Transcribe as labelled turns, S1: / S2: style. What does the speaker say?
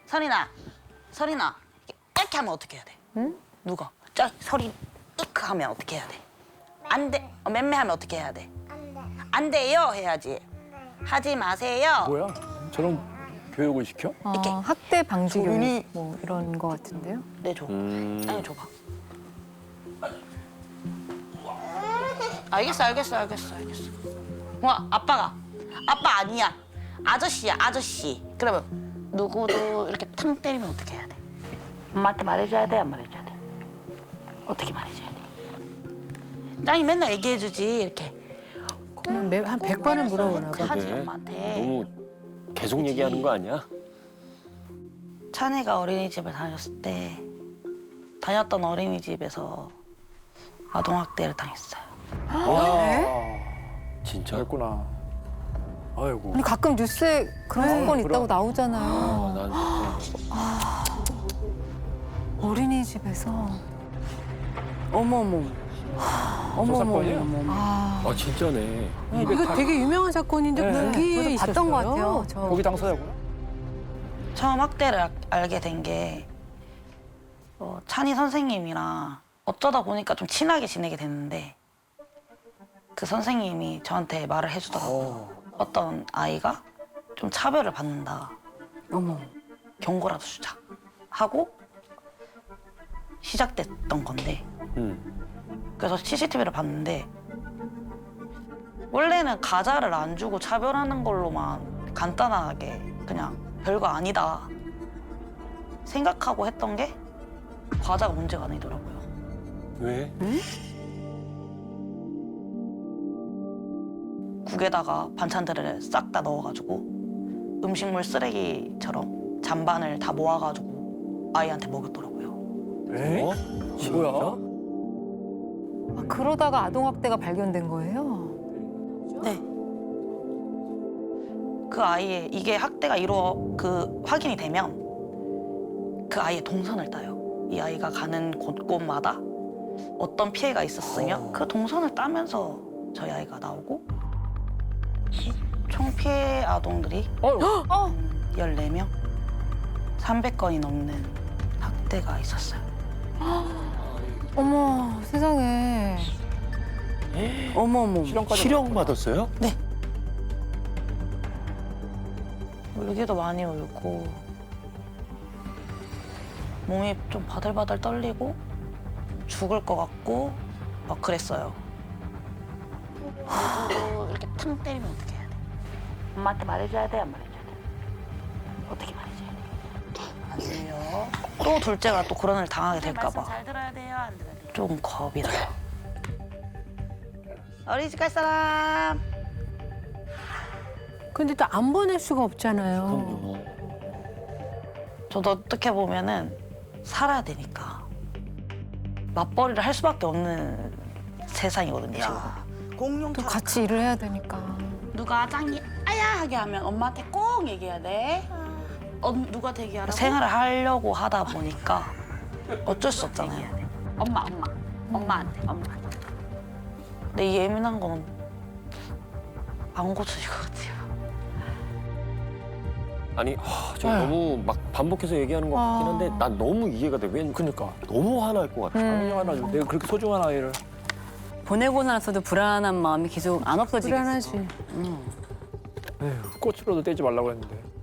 S1: 설이나, 설이나. 이렇게 하면 어떻게 해야 돼?
S2: 응?
S1: 누가? 저 설이 이크 하면 어떻게 해야 돼? 안 돼. 맴매하면 어떻게 해야 돼? 안 돼요 해야지. 하지 마세요.
S3: 뭐야? 저런 교육을 시켜?
S1: 이렇게.
S2: 학대 방지 교육
S1: 소윤이.
S2: 뭐 이런 거 같은데요?
S1: 네, 줘. 아니, 줘봐. 알겠어. 와, 아빠 아니야. 아저씨야, 아저씨. 그러면 누구도 이렇게 탕 때리면 어떻게 해야 돼? 엄마한테 말해줘야 돼, 안 말해줘야 돼? 어떻게 말해줘야 돼? 짱이 맨날 얘기해주지, 이렇게.
S2: 그러면 한 100번은 물어보나 봐.
S1: 하지, 엄마한테.
S4: 너무 계속 얘기하는 거 아니야?
S1: 찬이가 어린이집을 다녔을 때 다녔던 어린이집에서 아동학대를 당했어요.
S3: 와,
S4: 진짜?
S3: 그랬구나. 아이고.
S2: 아니 가끔 뉴스에 그런 사건
S3: 그럼.
S2: 있다고 나오잖아요.
S4: 난
S2: 어린이집에서.
S5: 어머머.
S3: 사건이에요?
S4: 아 진짜네.
S5: 이거 되게 유명한 사건인데
S3: 네.
S5: 거기에
S2: 저도
S5: 있었어요.
S2: 봤던 것 같아요. 저.
S3: 거기 당사자구나.
S1: 처음 학대를 알게 된 게 찬이 선생님이랑 어쩌다 보니까 좀 친하게 지내게 됐는데 그 선생님이 저한테 말을 해주더라고요. 어떤 아이가 좀 차별을 받는다.
S5: 어머.
S1: 경고라도 주자. 하고 시작됐던 건데 그래서 CCTV를 봤는데 원래는 가자를 안 주고 차별하는 걸로만 간단하게 그냥 별거 아니다 생각하고 했던 게 과자가 문제가 아니더라고요.
S4: 왜?
S1: 국에다가 반찬들을 싹 다 넣어가지고 음식물 쓰레기처럼 잔반을 다 모아가지고 아이한테 먹였더라고요.
S3: 에?
S4: 어?
S3: 뭐야?
S2: 아, 그러다가 아동학대가 발견된 거예요?
S1: 네. 그 아이의 이게 학대가 확인이 되면 그 아이의 동선을 따요. 이 아이가 가는 곳곳마다 어떤 피해가 있었으면 그 동선을 따면서 저희 아이가 나오고 총 피해 아동들이 14명, 300건이 넘는 학대가 있었어요.
S2: 어머 세상에.
S5: 어머머.
S3: 실형까지.
S4: 실형 받았어요?
S1: 울기도 많이 울고 몸이 좀 바들바들 떨리고 죽을 것 같고 막 그랬어요. 누구도 이렇게 탕 때리면 어떻게 해야 돼? 엄마한테 말해줘야 돼, 안 말해줘야 돼? 어떻게 말해줘야 돼? 안 돼요. 또 둘째가 또 그런 일 당하게 될까 봐. 잘 들어야 돼요, 안 들어야 돼요? 좀 겁이 나요. 어린이집 갈 사람?
S5: 근데 또 안 보낼 수가 없잖아요.
S4: 그럼요.
S1: 저도 어떻게 보면은 살아야 되니까 맞벌이를 할 수밖에 없는 세상이거든요, 지금. 공룡
S2: 또 같이 일을 해야 되니까.
S1: 누가 짱이 아야 하게 하면 엄마한테 꼭 얘기해야 돼. 누가 되게 하라고? 생활을 하려고 하다 보니까 어쩔 수 없잖아요. 엄마한테. 근데 이 예민한 거는 안 고쳐질 것 같아요.
S4: 아니, 저 너무 막 반복해서 얘기하는 것 같긴 한데 난 너무 이해가 돼. 왠
S3: 그니까.
S4: 너무 화날 것 같아.
S3: 당연히 하나 내가 그렇게 소중한 아이를.
S5: 보내고 나서도 불안한 마음이 계속 안 없어지겠어.
S2: 불안하지.
S3: 에휴, 꽃으로도 떼지 말라고 했는데.